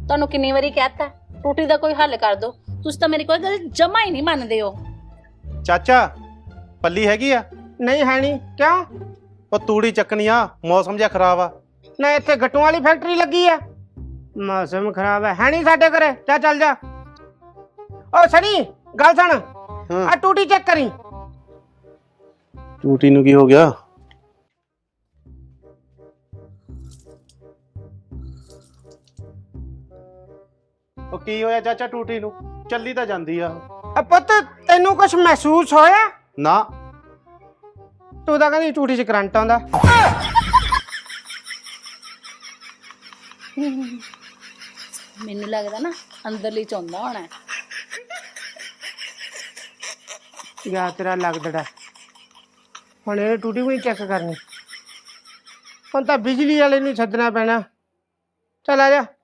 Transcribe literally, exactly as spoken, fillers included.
ਤੁਹਾਨੂੰ ਕਿੰਨੀ ਵਾਰੀ ਕਹਿਤਾ ਟੂਟੀ ਦਾ ਕੋਈ ਹੱਲ ਕਰ ਦਿਓ, ਤੁਸੀਂ ਤਾਂ ਮੇਰੀ ਕੋਈ ਗੱਲ ਜਮਾ ਹੀ ਨਹੀਂ ਮੰਨਦੇ ਹੋ। ਚਾਚਾ ਪੱਲੀ ਹੈਗੀ ਆ? ਨਹੀਂ ਹੈ ਨਹੀਂ। ਕਿਉਂ? ਉਹ ਤੂੜੀ ਚੱਕਣੀ ਆ, ਮੌਸਮ ਜਿਹਾ ਖਰਾਬ ਆ। ਨਾ ਇੱਥੇ ਗੱਟੂਆਂ ਵਾਲੀ ਫੈਕਟਰੀ ਲੱਗੀ ਆ? ਮੌਸਮ ਖਰਾਬ ਹੈ ਹੈ ਨਹੀਂ ਸਾਡੇ ਘਰੇ। ਜਾ ਚੱਲ ਜਾ। ਓ ਸਣੀ ਗੱਲ ਸੁਣ, ਆ ਟੂਟੀ ਚੈੱਕ ਕਰੀ। ਟੂਟੀ ਨੂੰ ਕੀ ਹੋ ਗਿਆ? ਉਹ ਕੀ ਹੋਇਆ ਚਾਚਾ ਟੂਟੀ ਨੂੰ? ਚੱਲੀ ਤਾਂ ਜਾਂਦੀ ਆ। ਆ ਪੁੱਤ ਤੈਨੂੰ ਕੁਝ ਮਹਿਸੂਸ ਹੋਇਆ? ਨਾ। ਤੂੰ ਤਾਂ ਕਹਿੰਦੀ ਟੂਟੀ 'ਚ ਕਰੰਟ ਆਉਂਦਾ। ਮੈਨੂੰ ਲੱਗਦਾ ਨਾ ਅੰਦਰਲੀ ਚੌਂਦਾ ਹੋਣਾ। ਯਾ ਤੇਰਾ ਲੱਗਦਾ ਹੁਣ ਇਹ ਟੂਟੀ ਵੀ ਚੈੱਕ ਕਰਨੀ। ਹੁਣ ਤਾਂ ਬਿਜਲੀ ਵਾਲੇ ਨੂੰ ਸੱਦਣਾ ਪੈਣਾ। ਚੱਲ ਆ ਜਾ।